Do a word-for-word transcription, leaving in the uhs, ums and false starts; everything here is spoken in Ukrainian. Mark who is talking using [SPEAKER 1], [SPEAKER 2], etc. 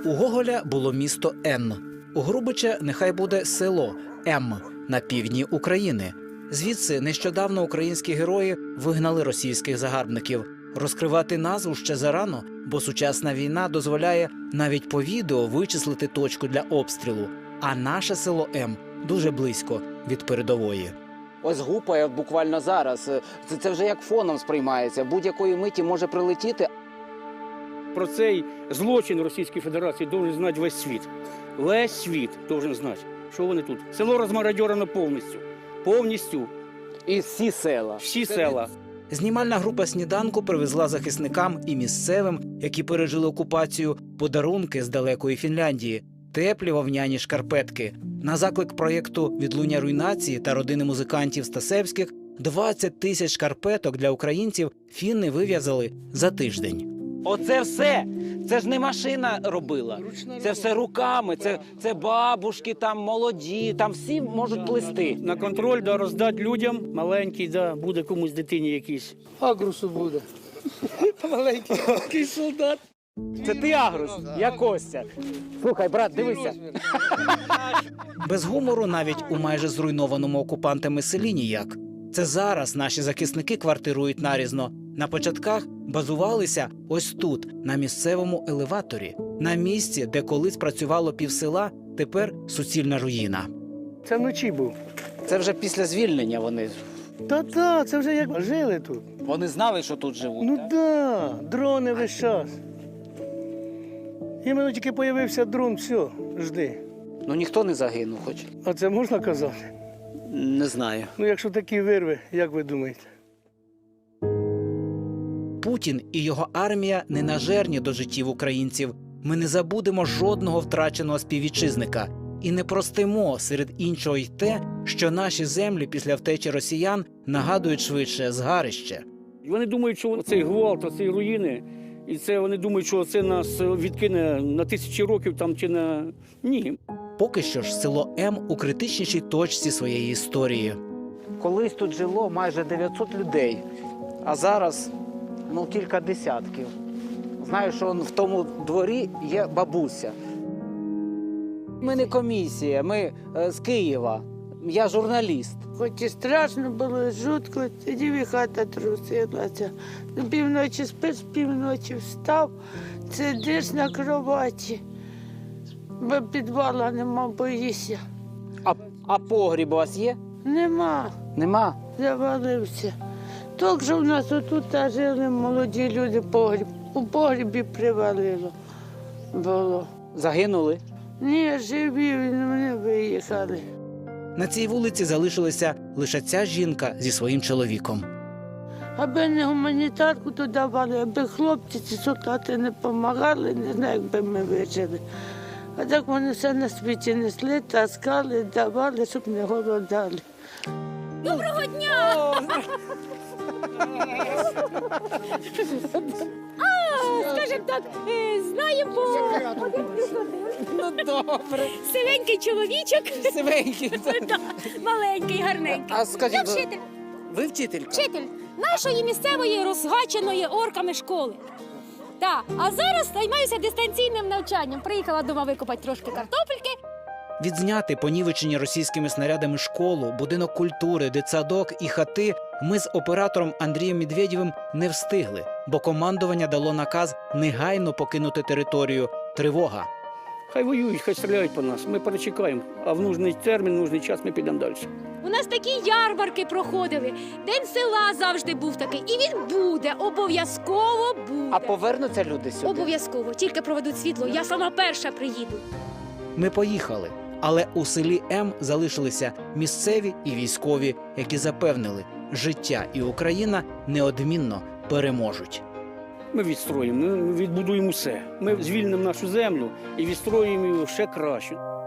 [SPEAKER 1] У Гоголя було місто Н. У Грубича нехай буде село М на півдні України. Звідси нещодавно українські герої вигнали російських загарбників. Розкривати назву ще зарано, бо сучасна війна дозволяє навіть по відео вичислити точку для обстрілу. А наше село М дуже близько від передової.
[SPEAKER 2] Ось гупає буквально зараз. Це, це вже як фоном сприймається. Будь-якої миті може прилетіти.
[SPEAKER 3] Про цей злочин Російської Федерації должен знати весь світ. Весь світ должен знати, що вони тут. Село розмародьорено повністю. Повністю.
[SPEAKER 2] І всі села.
[SPEAKER 3] Всі села.
[SPEAKER 1] Знімальна група «Сніданку» привезла захисникам і місцевим, які пережили окупацію, подарунки з далекої Фінляндії, теплі вовняні шкарпетки. На заклик проєкту «Відлуння руйнації» та родини музикантів Стасевських двадцять тисяч шкарпеток для українців фінни вив'язали за тиждень.
[SPEAKER 2] Оце все. Це ж не машина робила. Це все руками. Це, це бабушки, там молоді, там всі можуть плести.
[SPEAKER 3] На контроль, да, роздати людям. Маленький, да, буде комусь дитині якийсь.
[SPEAKER 4] Агрусу буде. Маленький солдат.
[SPEAKER 2] Це ти, Агрус? Я Костя. Слухай, брат, дивися.
[SPEAKER 1] Без гумору навіть у майже зруйнованому окупантами селі ніяк. Це зараз наші захисники квартирують нарізно. На початках базувалися ось тут, на місцевому елеваторі. На місці, де колись працювало півсела, тепер суцільна руїна.
[SPEAKER 4] Це вночі був.
[SPEAKER 2] Це вже після звільнення вони.
[SPEAKER 4] Та-та, це вже як жили тут.
[SPEAKER 2] Вони знали, що тут живуть.
[SPEAKER 4] Ну
[SPEAKER 2] так?
[SPEAKER 4] да, дрони весь час. Іменно тільки появився дрон, все, жди.
[SPEAKER 2] Ну ніхто не загинув, хоч.
[SPEAKER 4] А це можна казати?
[SPEAKER 2] Не знаю.
[SPEAKER 4] Ну якщо такі вирви, як ви думаєте?
[SPEAKER 1] Путін і його армія не нажерні до життів українців. Ми не забудемо жодного втраченого співвітчизника. І не простимо серед іншого й те, що наші землі після втечі росіян нагадують швидше згарище.
[SPEAKER 3] І вони думають, що цей гвалт, оці руїни, і це вони думають, що це нас відкине на тисячі років там чи на... Ні.
[SPEAKER 1] Поки що ж село М у критичнішій точці своєї історії.
[SPEAKER 2] Колись тут жило майже дев'ятсот людей, а зараз ну кілька десятків. Знаю, що в тому дворі є бабуся. Ми не комісія, ми е, з Києва. Я журналіст.
[SPEAKER 5] Хоч і страшно було, жутко, тоді і хата трусилася. До півночі спиш, півночі встав, сидиш на кроваті, бо підвала нема, боїшся.
[SPEAKER 2] А, а погріб у вас є?
[SPEAKER 5] Нема,
[SPEAKER 2] Нема.
[SPEAKER 5] завалився. Тільки що в нас отут жили молоді люди, погріб. У погрібі привалило було.
[SPEAKER 2] Загинули.
[SPEAKER 5] Ні, живі, вони виїхали.
[SPEAKER 1] На цій вулиці залишилася лише ця жінка зі своїм чоловіком.
[SPEAKER 5] Аби не гуманітарку то давали, аби хлопці ці солдати не допомагали, не знаю, як би ми вижили. А так вони все на світі несли, таскали, давали, щоб не голодали.
[SPEAKER 6] Доброго дня! А, скажімо так, е, знаємо,
[SPEAKER 2] Ну добре.
[SPEAKER 6] сивенький чоловічок,
[SPEAKER 2] Сивенький.
[SPEAKER 6] да, маленький, гарненький.
[SPEAKER 2] А скажіть,
[SPEAKER 6] Я
[SPEAKER 2] ви-
[SPEAKER 6] вчитель,
[SPEAKER 2] Ви вчителька?
[SPEAKER 6] вчитель нашої місцевої розгаченої орками школи. Так, а зараз займаюся дистанційним навчанням. Приїхала дома викопати трошки картопельки.
[SPEAKER 1] Відзняти понівечені російськими снарядами школу, будинок культури, дитсадок і хати ми з оператором Андрієм Медведєвим не встигли, бо командування дало наказ негайно покинути територію. Тривога.
[SPEAKER 3] Хай воюють, хай стріляють по нас. Ми перечекаємо. А в нужний термін, в нужний час ми підемо далі.
[SPEAKER 6] У нас такі ярмарки проходили. День села завжди був такий. І він буде, обов'язково буде.
[SPEAKER 2] А повернуться люди сюди?
[SPEAKER 6] Обов'язково, тільки проведуть світло. Я сама перша приїду.
[SPEAKER 1] Ми поїхали, але у селі М залишилися місцеві і військові, які запевнили, життя і Україна неодмінно переможуть.
[SPEAKER 3] Ми відстроїмо, ми відбудуємо все. Ми звільнимо нашу землю і відстроїмо її ще краще.